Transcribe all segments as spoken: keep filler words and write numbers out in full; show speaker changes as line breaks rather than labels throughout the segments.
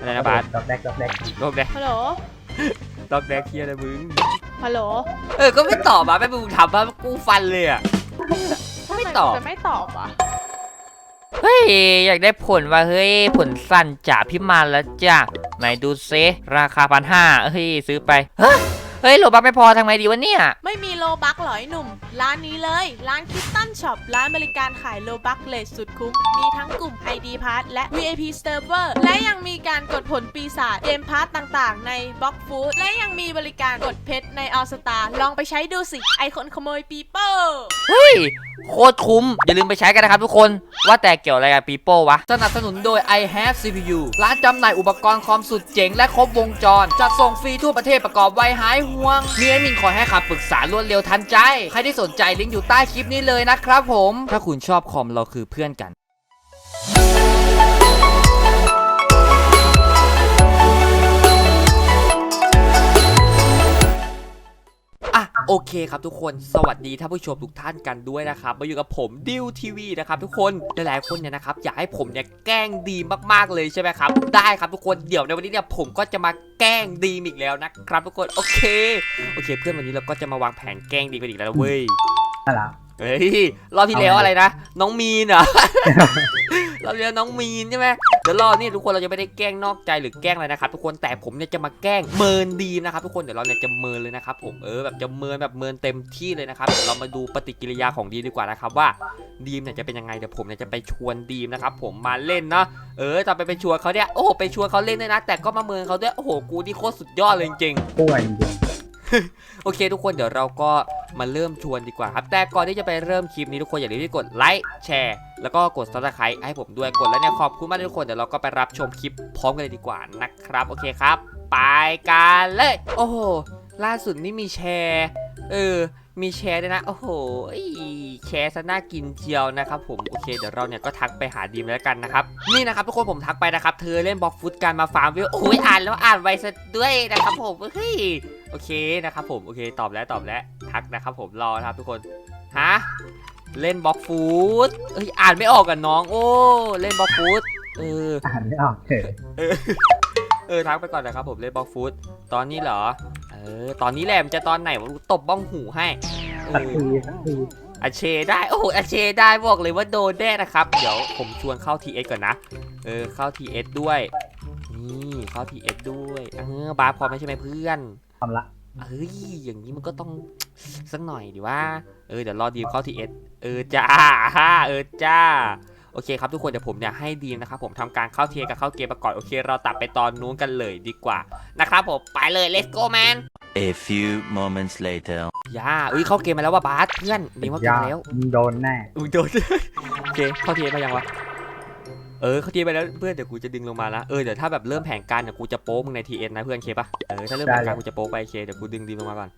อะไรนะบาส
ดอกแดกดอกแดก
ดอกแดก
ฮัลโหล
ดอกแดกเคียอะไรมึง
ฮัลโหล
เออก็ไม่ตอบอ่ะแม่มึงถามว่ากูฟันเลยอ่ะไม่ตอบ
จะไม่ตอบอ่ะ
เฮ้ยอยากได้ผลว่าเฮ้ยผลสั้นจากพิมานแล้วจ้ะไหนดูเซราคาพันห้าเฮ้ยซื้อไปเฮ้ยเฮ้ยโลบักไม่พอทำไงดีวะเนี่ย
ไม่มีโลบักหรอไอ้หนุ่มร้านนี้เลยร้านคิตตันช็อปร้านบริการขายโลบักเลสสุดคุ้มมีทั้งกลุ่ม ไอ ดี Pass และ วี ไอ พี Server และยังมีการกดผลปีศาจเกมพาร์ตต่างๆในบล็อกฟูดและยังมีบริการกดเพชรในออสตาลองไปใช้ดูสิไอคนขโมยปีโป้
เฮ้ยโคตรคุ้มอย่าลืมไปใช้กันนะครับทุกคนว่าแต่เกี่ยวอะไรกับปีโป้วะสนับสนุนโดย I have ซี พี ยู ร้านจำหน่ายอุปกรณ์คอมสุดเจ๋งและครบวงจรจัดส่งฟรีทั่วประเทศประกอบไวหายห่วงมีแอดมินคอยให้คำปรึกษารวดเร็วทันใจใครที่สนใจลิงก์อยู่ใต้คลิปนี้เลยนะครับผมถ้าคุณชอบคอมเราคือเพื่อนกันโอเคครับทุกคนสวัสดีท่านผู้ชมทุกท่านกันด้วยนะครับมาอยู่กับผมดิวทีวีนะครับทุกคนหลายๆคนเนี่ยนะครับอยากให้ผมเนี่ยแกล้งดีมากๆเลยใช่ไหมครับได้ครับทุกคนเดี๋ยวในวันนี้เนี่ยผมก็จะมาแกล้งดีอีกแล้วนะครับทุกคนโอเคโอเคเพื่อนวันนี้เราก็จะมาวางแผนแกล้งดีกันอีกแล้วเว้ย
อะไร
เฮ้ยรอบที่แล้วอะไรนะน้องมีนเหรอรอบที่แล้วน้องมีนใช่ไหมเดี๋ยวรอบนี้ทุกคนเราจะไม่ได้แกล้งนอกใจหรือแกล้งอะไรนะครับทุกคนแต่ผมเนี่ยจะมาแกล้งเมินดีนะครับทุกคนเดี๋ยวเราเนี่ยจะเมินเลยนะครับผมเออแบบจะเมินแบบเมินเต็มที่เลยนะครับเดี๋ยวเรามาดูปฏิกิริยาของดีมดีกว่านะครับว่าดีมเนี่ยจะเป็นยังไงเดี๋ยวผมเนี่ยจะไปชวนดีมนะครับผมมาเล่นเนาะเออตอนไปไปชวนเขาเนี่ยโอ้โหไปชวนเขาเล่นด้วยนะแต่ก็มาเมินเขาด้วยโอ้โหกูนี่โคตรสุดยอดเลยจริง
ๆป่วยจริง
โอเคทุกคนเดี๋ยวเราก็มาเริ่มชวนดีกว่าครับแต่ก่อนที่จะไปเริ่มคลิปนี้ทุกคนอย่าลืมที่กดไลค์แชร์แล้วก็กด ซับสไครบ์ ให้ผมด้วยกดแล้วเนี่ยขอบคุณมากทุกคนเดี๋ยวเราก็ไปรับชมคลิปพร้อมกันเลยดีกว่านะครับโอเคครับไปกันเลยโอ้โหล่าสุดนี่มีแชร์เออมีแชร์ด้วยนะโอ้โหแชร์ซะน่ากินเชียวนะครับผมโอเคเดี๋ยวเราเนี่ยก็ทักไปหาดีมแล้วกันนะครับนี่นะครับทุกคนผมทักไปนะครับเธอเล่นบล็อกฟุตการมาฟาร์มวิวโอ้ยอ่านแล้วอ่านไวซะด้วยนะครับผมเฮ้ยโอเคนะครับผมโอเคตอบแล้วตอบแล้วทักนะครับผมรอนะครับทุกคนฮะเล่นบล็อกฟุตเฮ้ยอ่านไม่ออกกันน้องโอ้เล่นบล็อกฟุตเออ
อ่านไม่ออกเฉย
เออเออทักไปก่อนนะครับผมเล่นบล็อกฟุตตอนนี้เหรอเออตอนนี้แหละมันจะตอนไหนวะตบบ้องหูให้
สักทีสักที
อาเชได้โอ้โหอาเชได้บอกเลยว่าโดนแน่นะครับเดี๋ยวผมชวนเข้า ที เอส ก่อนนะเออเข้า ที เอส ด้วยนี่เข้า ที เอส ด้วยเออบาร์พอไม่ใช่ไหมเพื่อน
ทำละ
เฮ้ยอย่างนี้มันก็ต้องสักหน่อยดิว่าเออเดี๋ยวรอดีมเข้า ที เอส เออจ้าฮ่าเออจ้าโอเคครับทุกคนเดี๋ยวผมเนี่ยให้ดีมนะครับผมทำการเข้าเทียกับเข้าเกมมาก่อนโอเคเราตัดไปตอนนู้นกันเลยดีกว่านะครับผมไปเลย let's go man
A few moments later
ย่าอุ้ยเข้าเกมมาแล้วว่าบาสเพื่อนดีมเข้าเกมแล้ว
โดนแน่
โดนโอเคเข้าเทียมายังวะเออเข้าเทียไปแล้วเพื่อนเดี๋ยวกูจะดึงลงมาละเออเดี๋ยวถ้าแบบเริ่มแผนการเดี๋ยวกูจะโป๊มึงใน ที เอส นะเพื่อนเคปะเออถ้าเริ่มแผนการกูจะโป๊ไปเคเดี๋ยวกูดึงดีมลงมาก่อน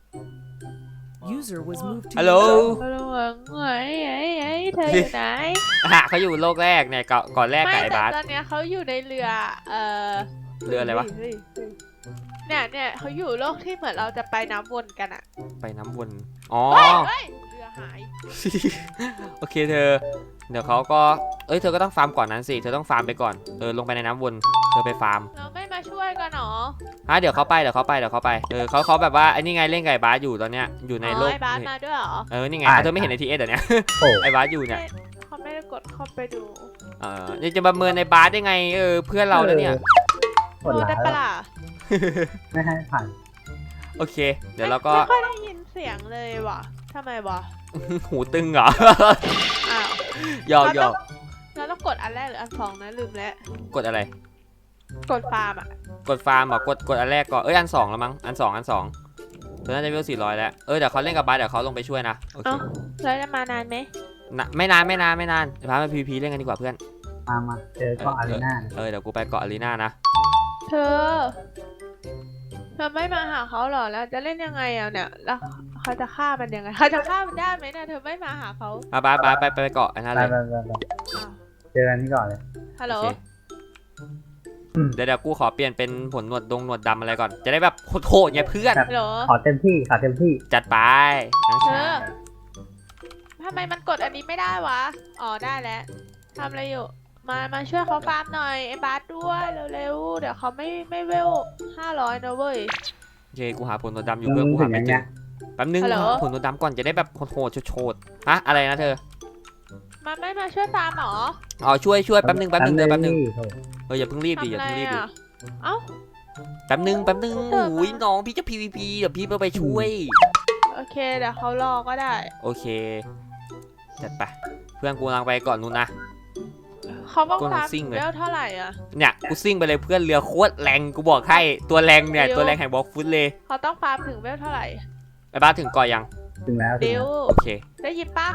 ฮัลโหล
ฮัลโหลไงไอ้ไอ้เธออยู่ไหน
ฮะเขาอยู่โลกแรกเนี่ยก่อนแรกกับไอ้บาส
ตอนนี้เขาอยู่ในเรือเออ
เรืออะไรวะ
เนี่ยเนี่ยเขาอยู่โลกที่เหมือนเราจะไปน้ำวนกันอะ
ไปน้ำวนอ๋อ
เรือหาย
โอเคเธอเดี๋ยวเขาก็เอ้ยเธอก็ต้องฟาร์มก่อนนั้นสิเธอต้องฟาร์มไปก่อนเออลงไปในน้ำวนเธอไปฟาร์ม
เราไม่มาช่วยกันหรอ
ฮะเดี๋ยวเขาไปเดี๋ยวเขาไปเดี๋ยวเขาไปเออเขาเขาแบบว่าไอ้นี่ไงเล่นไก่บาสอยู่ตอนเนี้ยอยู่ในโลก
ไอ้บาสมาด้วยหรอ
เออนี่ไงเธอไม่เห็นในทีเอสเดี๋ยวนี้ไอ้บาสอยู่เนี่ย
เขาไม่ได้กดเข้าไปดู
เออจะประเมินในบาสได้ไงเออเพื่อนเราแล้วเนี่ย
โดนได้ปะล่ะ
ไม่ให้ผ่าน
โอเคเดี๋ยวเราก็
ไม่ค่อยได้ยินเสียงเลยว่ะทำไมวะ
หูตึงเหรอ
อ้าว
หยอกหยอก
เราต้องกดอันแรกหรืออันสองนะลืมแล้ว
กดอะไร
กดฟาร์มอ่ะ
กดฟาร์มบอกกดกดอันแรกก่อนเอ้ยอันสองแล้วมั้งอันสองอันสองตอนนั้นจะวิวสี่ร้อยแล้วเออเดี๋ยวเขาเล่นกับบาสเดี๋ยวเขาลงไปช่วยนะโอเค
แล้วจะมานานไหม
ไม่นานไม่นานไม่นานพาไปพีพีเล่นกันดีกว่าเพื่อน
มามาเจอเกาะอารีนา
เออเดี๋ยวกูไปเกาะอารีนานะ
เธอเธอไม่มาหาเขาหรอแล้วจะเล่นยังไงอ่ะเนี่ยแล้วเขาจะฆ่ามันยังไงเขาจะฆ่ามันได้ไหมเนี่ยเธอไม่มาหาเขา
บาบาบาไปไปเกาะอันนั้นเลย
เจอกันที่ก่อนเลย
ฮัลโหล
เดี๋ยวเดี๋ยวกูขอเปลี่ยนเป็นผลหนวดดงหนวดดำอะไรก่อนจะได้แบบโหดๆไงเพื่อน
ขอเต็มที่ขอเต็มที่
จัดไป
เธอทำไมมันกดอันนี้ไม่ได้วะอ๋อได้แล้วทำอะไรอยู่มามาช่วยเขาฟาร์มหน่อยไอ้บาสด้วยเร็วเดี๋ยวเขาไม่ไม่เวลห้าร้อยนะเว้ย
โอเคกูหาผลตัวดำอยู่เพื่อนกูหาไม่เจอแป๊บนึง
ฮัลโหล
หาผลตัวดำก่อนจะได้แบบโหดๆโชดๆฮะอะไรนะเธอ
มันไม่มาช่วยฟาร์มหรอ
อ๋อช่วยช่วยแป๊บนึงแป๊บนึงเธอแป๊บนึง
โถ่
เอออย่าเพิ่งรีบดิอย่า
ทำอะไร
เพิ่งรีบดิ
อ่ะเอ้า
แป๊บนึงแป๊บนึง
เธอ
โอ้ยน้องพี่จะ พี วี พี เดี๋ยวพี่ไปช่วย
โอเคเดี๋ยวเขารอก็ได้
โอเคจัดไปเพื่อนกูกำลังไปก่อนนู้นนะ
เขาต้อง
กู
ฟาร์ม
ซิ่งเลย
เวลเท่าไหร่อ่ะ
เนี่ยกูซิ่งไปเลยเพื่อนเรือโคตรแรงกูบอกให้ตัวแรงเนี่ย
เดี๋ยว
ตัวแรงแห่งบล็อกฟุตเลย
เขาต้องฟาร์มถึงเวลเท่าไหร่
ไอ้บ้าสถึงก่อนยัง
ถึงแล้วถึง
เดี๋ย
แล้ว ว
โอเค
ได้ยินปะ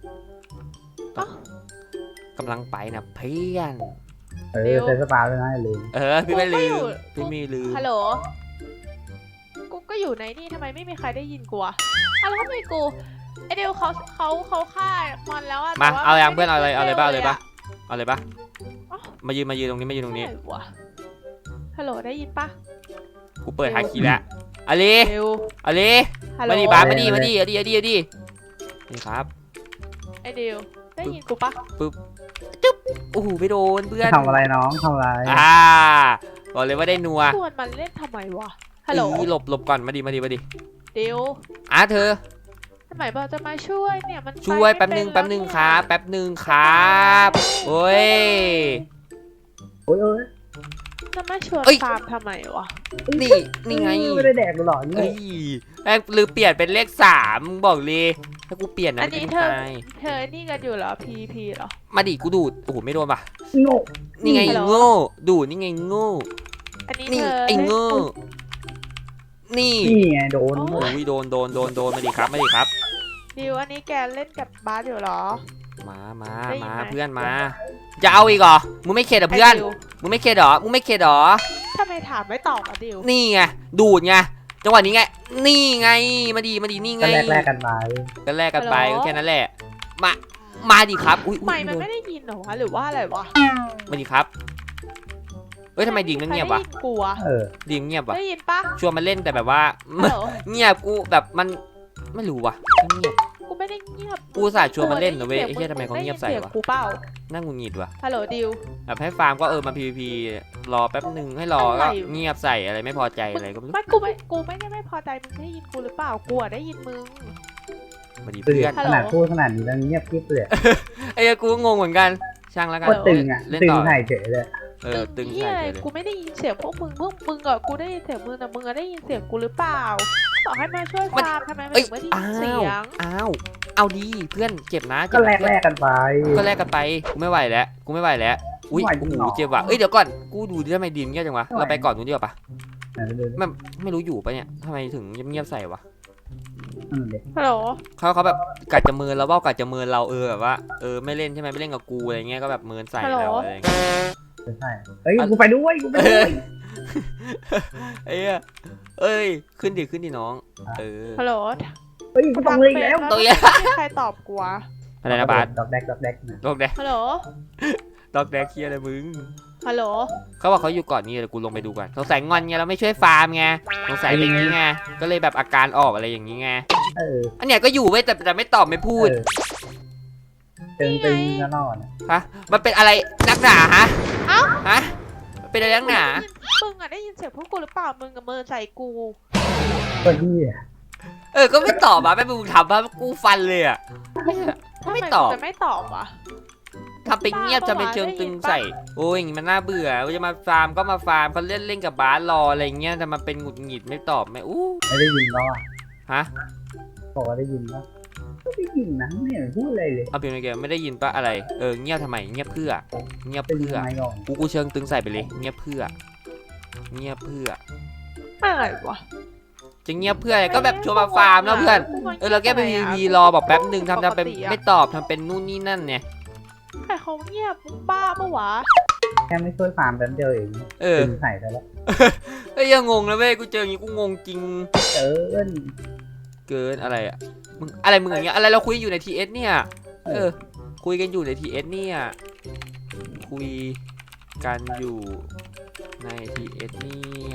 กำลังไปนะเพื่อน
เออเซนสปาด้วยนะอย่าลืม
เออพี่ไม่ลื
กูก็อยู่
มพี่ไม่ลืม
ฮัลโหลกูก็อยู่ในนี่ทำไมไม่มีใครได้ยินกูอะอ่ะแล้วทำไมกูไอเดียวเขาเขาเขาฆ่ามอนแล้วอะ
มา
แต่ว่
เอายัง
ไม่
เพื่อนเอาอะไรเอาอะไรบ้างเอาอะไร
ม่
บ้างเอาอะไรบ้าง
อ๋อ
มายืนมายืนตรงนี้มายืนตรงนี้
ไหวะฮัลโหลได้ยินปะ
กูเปิดฮาคีแล้วอลี
เร็ว
อลี
ฮัลโหล
มาดิบ้าสมาดิมาดิเอาดิเอาดิเอาดินี่ครับ
ไอเดียวได้ยินกูปะ
โอ้โหไม่โดนเพื่อน
ทำอะไรน้องทำอะไร
อ่าบอกเลยว่าได้นัว
ชวนมันเล่นทำไมวะฮัลโหล
อีหลบหลบก่อนมาดิมาดิมาดิ
เดียว
อ่ะเธอ
ทำไมบอกจะมาช่วยเนี่ยมัน
ช่วย
ไป
แป๊บ
ไม่
นึง
เป็
แป๊บนึง
ล้ว
ครับแป๊บนึงครับโอ้ย
โอ้ยโอ้ย
จะมาชวน
เอ้ย
ฟาร์มทำไมวะ
นี่นี่ไง
ไม่ได้แดกหรอกนี่
เอ้ยแม่งหรือเปลี่ยนเป็นเลขสามบอกเลยถ้ากูเปลี่ยนนะ
อันนี้
ไม่
เธอ
ตาย
เธอนี่กันอยู่เหรอพีพีเหรอ
มาดิกูดูดโอ้โหไม่โดนป่ะ
โง่
นี่ไง
ฮัลโหล
โง่ดูดนี่ไงโง่
อันนี้
นี่
เธอ
ไอ้โง่นี่
นี่ไงโดน
โอ้ยโดนโดนโดนโดนมาดิครับมาดิครับ
ดิวอันนี้แกเล่นกับบาสอยู่เหรอ
มามา
ได้ยิน
มา
ไหม
เพื่อนมา จะเอาอีกเหรอมึงไม่เข็ดเหรอเพื่อน
ไดิว
มึงไม่เข็ดเหรอมึงไม่เข็ดเหรอ
ทำไมถามไม่ตอบอ่ะดิว
นี่ไงดูดไงจังหวะนี้ไงนี่ไงมาดีมาดีนี่ไง
ก็แลกแลกกันไป
ก็แลกกันไปก็แค่นั้นแหละมามาดิครับอุ้ยอุ๊ย
ไม่มัน
โดน
ไม่ได้ยินเหรอวะหรือว่าอะไรวะ
มาดิครับเฮ้ยทำไมดิ่งมันเงียบวะ
ใครได้ยินกูอะ
เออ
ดิ่งเงียบวะ
ได้ยินปะ
ชวนมันเล่นแต่แบบว่า
ฮัลโหล
เงียบกูแบบมันไม่รู้วะเงียบ
กูไม่ได้เงียบ
กูอุตส่าห์ชวนมันเล่นนะเว้ยไอ้เหี้ยทำไมเขาเงียบใส่วะ
ได้นสีงกูเปล่า
น่าหงุดหงิดวะ
ฮัลโหลดิว
แบบให้ฟาร์มก็เออมา พี วี พี รอแป๊บหนึ่งให้รอ
อะไร
ก็
อยู่
เงียบใส่อะไรไม่พอใจอะไรก็ไม่รู้
ไม่กูไม่กูไม่ได้ไม่พอใจมึงได้ยินกูหรือเปล่ากูอะได้ยินมึง
มาดี
ตื่น
เพื่อน
ฮัล
ข
โหล
นาดพูดขนาดนี้แล้วเงียบกิ๊บเลย
ไอ้เหี้ยกูก็งงเหมือนกันช่างแล้วกัน
ก็ตึงอ่ะ
เล่น
ตึง
ต่อ
ไถ่เฉยเลย
เออตึง
เหี้
ใส่
ย
เลย
กูไม่ได้ยินเสียงพวกมึงพวกมึงอะกูได้ยินเสียงมึงแต่มึงอะได้ยินเสียงกูหรือเปล่าบอกให้มาช่วยฟาร์มทำไมมัน
เอ้ย
ถึงไม่ได้
อ้า
ยินเสี
วย
ง
อ้าวเอาดีเพื่อนเจ็บนะ
ก็
เจ็บ
แล
นะ
กแลกกันไป
ก็แลกกันไปกูไม่ไหวแล้วกูไม่ไหวแล้วอุ้ย
ไม่ไหว
โอ้โห
จริงเหรอ
เจ็บว่ะเอ้ยเดี๋ยวก่อนกูดูดิทำไมดีมเงียบจังวะ
ไม่ไหว
เราไปก่อนนู้นดีกว่าปะ
ไหนไปดูดิ
มันไม่รู้อยู่ปะเนี่ยทำไมถึงเงียบๆใส่วะ
อืมเด็ก
ฮัลโหล
เขาเขาแบบกัดจะเมินเราว่ากัดจะเมินเราเออแบบว่าเออไม่เล่นใช่ไหมไม่เล่นกับกูอะไรเงี้ยก็แบบเมินใส่เราอะไรเงี้ย
ใช่เฮ้ยกูไปด้วยกูไป
เอ
ด้ว
อย เอ้ยเอ้ยขึ้นดิขึ้นดิน้องเออ
ฮัลโหล
เฮ้ยกูต้องเลยอีกแล้ว
ตัวใหญ่
ไม่มีใครตอบกูวะ
อะไรนะบาส
ดอกแดกดอกแดกนะ
ดอกแดก
ฮัลโหล
ดอกแดกเคียอะไรมึง
ฮัลโหล
เขาบอกเขาอยู่ก่อนนี่เดี๋ยวกูลงไปดูก่อนสงสัยงอนไงเราไม่ช่วยฟาร์มไงสงสัยเป็นอย่างงี้ไงก็เลยแบบอาการออกอะไรอย่างงี้ไง
เออ
อันเนี้ยก็อยู่เว้ยแต่แต่ไม่ตอบไม่พูด
เออตึงตึงแล้วนอน
ฮะมันเป็นอะไรนักหนาฮะ
เอ้า
ฮะมันเป็นอะไรนักหนา
มึงอะได้ยินเสียงพวกกูหรือเปล่ามึงกับมือใส่กู
คนที่
เออก็ไม่ตอบอ่ะไม่มึงทำว่ากูฟันเลยอ่ะ
ทำ
ไม่
ไม
ตอบ
มึงจะไม่ตอบวะ
ทำเป็นเงียบจะเป็นเชิงตึงใส่โอ้ยอย่างงี้มันน่าเบื่อจะมาฟาร์มก็มาฟาร์มเขาเล่นเล่นกับบาสรออะไรเงี้ยแต่มาเป็นหงุดหงิดไม่ตอบไม่อู้
ไม่ได้ยินแล้วอ่ะ
ฮะ
บอกว่าได้ยินแล้วไม่ได้ยินนะไม่เห็นพูดอะไรเลย
เอาเป็นไงไม่ได้ยินปะอะไรเออเงียบทำไมเงียบเพื่อเงียบ
ตึง
เพื่อ
ทำไมก่อน
กูกูเชิงตึงใส่ไปเลยเงียบเพื่อเงียบเพื่อ
อะไรวะ
จะเงียบเพื่ออะไรก็แบบชวนมาฟาร์มแล้วเพื่อนเออเราแค่ไปพีพีรอบอกแป๊บหนึ่งทำทำเป็นไม่ตอบทำเป็นนู่นนี่นั่นเนี่ย
ใครเขาเงียบมึงบ้าปะวะ
แค่ไม่ช่วยฟาร์มแป๊บเดียวเอง
เออ
ตึงใส่ซะแล้ว
เอ้ยยังงงนะเว้ยกูเจออย่างงี้กูงงจริง
เออ
เกินอะไรอ่ะมึงอะไรมึงอย่างเงี้ยอะไรเราคุยอยู่ในทีเอสเนี่ยเออคุยกันอยู่ในทีเอสเนี่ยคุยกันอยู่ในทีเอสเนี่ย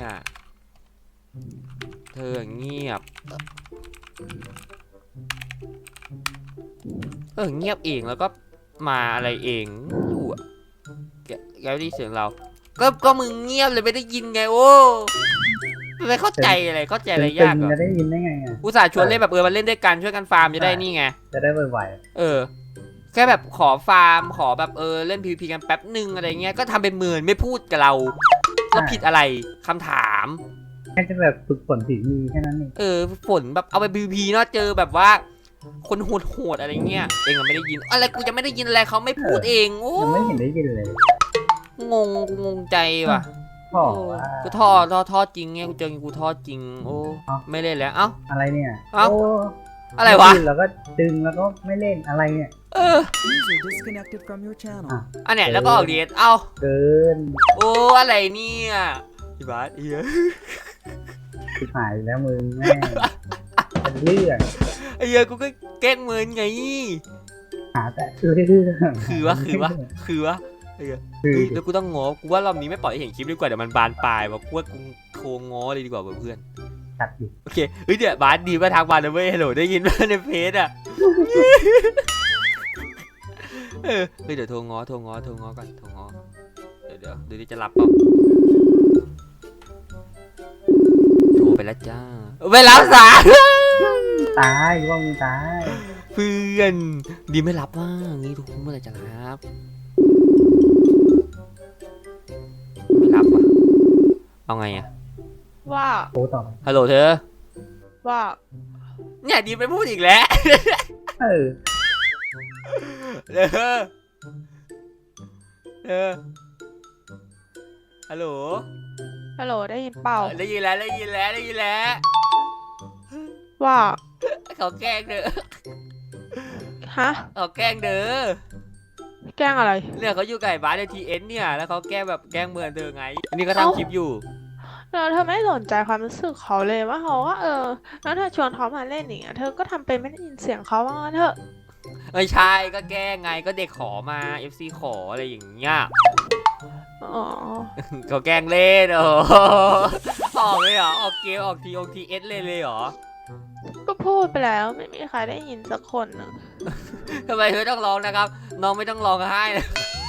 เธอเงียบเออเงียบเองแล้วก็มาอะไรเองไม่รู้อ่ะแกแกได้ยินเสียงเราก็ก็มึงเงียบเลยไม่ได้ยินไงโอ้ไม่เข้าใจอะไรเข้าใจอะไรยาก
ตึ
เหรง อ
ๆจะได้ยินได้ไงอ่ะ
อุตส่าห์ชวนเล่นแบบเออมันเล่นด้วยกันช่วยกันฟาร์มจะได้นี่ไง
จะได้ไว
เออ แค่แบบขอฟาร์มขอแบบเออเล่น พี วี พี กันแป๊บหนึ่งอะไรเงี้ยก็ทำเป็นเหมือนไม่พูดกับเราแล้วผิดอะไรคำถาม
ๆแค่จะแบบฝึกฝนฝีมือแค่นั้นเอง
เออฝนแบบเอาไป พี วี พี เนาะเจอแบบว่า คนโหดๆอะไรเงี้ยเองก็ไม่ได้ยินอะไรกูจะไม่ได้ยินอะไรเขาไม่พูดเองโอ้
ยังไม่เห็นได้ยินเลย
งงกูงงใจว่ะ
พ่อ
โอ้
ว่า
กูท่อท่อท่อจริงไงกูเจอกูท่อจริงโอ้
เอ้า
ไม่เล่นแล้วเอ้า
อะไรเนี่ย
เอ้า
โ
อะไรวะ
แล้วก็ดึงแล้วก็ไม่เล่นอะไรเนี่ย
เออ
User disconnected from your channel.
อันเนี้ยแล้วก็ออกเดทเอ้า
เกิน
โอ้อะไรเนี่ยพี่บาสเฮีย
สิหายแล้วมึงแม่งเป็นเรื่อง
ไอ้เฮียกูก็แกล้งเมินไง
หาแต่เรื่อง
คือวะคือวะคือวะไอ้เหี้ย
คือ
เฮ้ยแล้วกูต้องง้อกูว่ารอบนี้ไม่ปล่อยให้เห็นคลิปดีกว่าเดี๋ยวมันบานปลายว่ะกูว่ากูโทรง้อเลยดีกว่าเพื่อน
ตัดอยู่
โอเคเฮ้ยเดี๋ยวบาสดีมาทางบานนะเว้ยฮัลโหลได้ยินไหมในเพจอ่ะเออเฮ้ยเดี๋ยวโทรง้อโทรง้อโทรง้อก่อนโทรง้อเดี๋ยวเดี๋ยวดูดิจะรับเปล่าโทรไปแล้วจ้าไม่รับสาย
ตายว่ามึงตาย
เพื่อนดีไม่รับว่างี้ทุกคนเมื่อไหร่จะรับไม่รับว่ะเอาไงอะ
ว่า
โอ้ต่อไป
ฮัลโหลเธอ
ว่า
เนี่ยดีไปพูดอีกแล้ว
เออ
เธอเธอฮัลโหล
ฮัลโหลได้ยินเปล่า
ได้ยินแล้วได้ยินแล้วได้ยินแล้ว
ว่า
เขาแกล้งเด้อ
ฮะ
เขาแกล้งเด้อ
แกล้งอะไร
เนี่ยเขาอยู่ไก่บ้านในทีเอ็นเนี่ยแล้วเขาแกล้งแบบแกล้งเมือนเธอไงอันนี้ก็
เอ้า
ทำคลิปอยู่
เราเธอไม่สนใจความรู้สึกเขาเลยว่าเขาว่าเออ แล้วเธอชวนเขามาเล่นอย่างเงี้ยเธอก็ทำเป็นไม่ได้ยินเสียงเขาว่างั้นเถอะ
ไม่ใช่ก็แกล้งไงก็เด็กขอมา เอฟ ซี ขออะไรอย่างเงี้ย
อ๋อ
เขาแกล้งเล่นโอ้โหออกเลยเหรอออกเกมออกทีออกทีเอสเลยเลยเหรอ
ก็พูดไปแล้วไม่มีใครได้ยินสักคนนะ
ทำไมเธอต้องร้องนะครับ น้องไม่ต้องร้องไห้นะ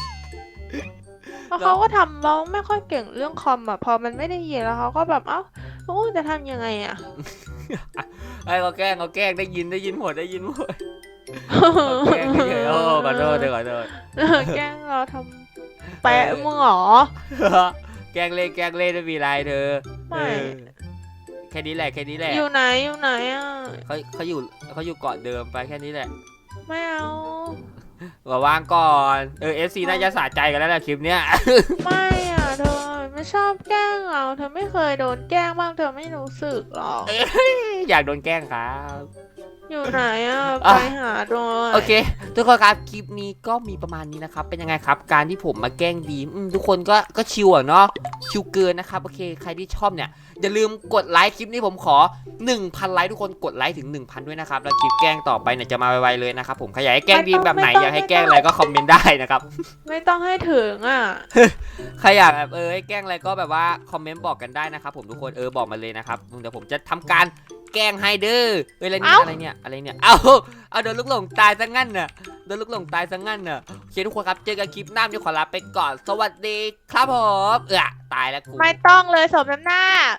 แล้วเขาก็ทำร้องไม่ค่อยเก่งเรื่องคอมอ่ะพอมันไม่ได้ยินแล้วเขาก็แบบเอ้าโอ้จะทำยังไงอ่ะ
ไอ้เขาแกล้งเขาแกล้งได้ยินได้ยินหมดได้ยินหมดเขาแกล้งเฉยๆโอ้ขอโทษเธอขอโทษ
แกล้งเราทำแปะมึงเหรอ
แกล้งเล่นแกล้งเล่นไม่มีไรเธอ
ไม่
เออแค่นี้แหละแค่นี้แหละ
อยู่ไหนอยู่ไหนอ่ะ
เขาเขาอยู่เขาอยู่เกาะเดิมไปแค่นี้แหละ
ไม่เอา
ว่าว่างก่อนเออเอฟซีน่าจะสะใจกันแล้วแหละคลิปเนี้ย
ไม่อ่ะเธอไม่ชอบแกล้งเราเธอไม่เคยโดนแกล้งบ้างเธอไม่รู้สึกหรอก
อยากโดนแกล้งครับ
อยู่ไหนอ่ะ
อ่ะ
ไปหาโดย
โอเค ทุกคนครับคลิปนี้ก็มีประมาณนี้นะครับ เป็นยังไงครับ การที่ผมมาแกล้งดีมอืมทุกคนก็ก็ชิวอ่ะเนาะชิวเกินนะครับโอเคใครที่ชอบเนี่ยอย่าลืมกดไลค์คลิปนี้ผมขอ หนึ่งพัน ไลค์ทุกคนกดไลค์ถึง หนึ่งพัน ด้วยนะครับแล้วคลิปแกล้งต่อไปเนี่ยจะมาไวๆเลยนะครับผมใครอยากให้แกล้งดีมแบบไหนอยากให้แกล้งอะไรก็คอมเมนต์ได้นะครับ
ไม่ต้องให้ถึงอ่ะ
ใครอยากแบบเออให้แกล้งอะไรก็แบบว่าคอมเมนต์บอกกันได้นะครับผมทุกคนเออบอกมาเลยนะครับเดี๋ยวผมจะทำการแกล้งให้เด้อเอออะไรเนี่ย
เอ้า
อะไรเนี่ยอะไรเนี่ยเอาเอาโดนลูกหลงตายซะงั้นน่ะโดนลูกหลงตายซะงั้นน่ะโอเคทุกคนครับเจอกันคลิปหน้าเดี๋ยวขอลาไปก่อนสวัสดีครับผมเออตายแล้วกู
ไม่ต้องเลยสมน้ำหน้า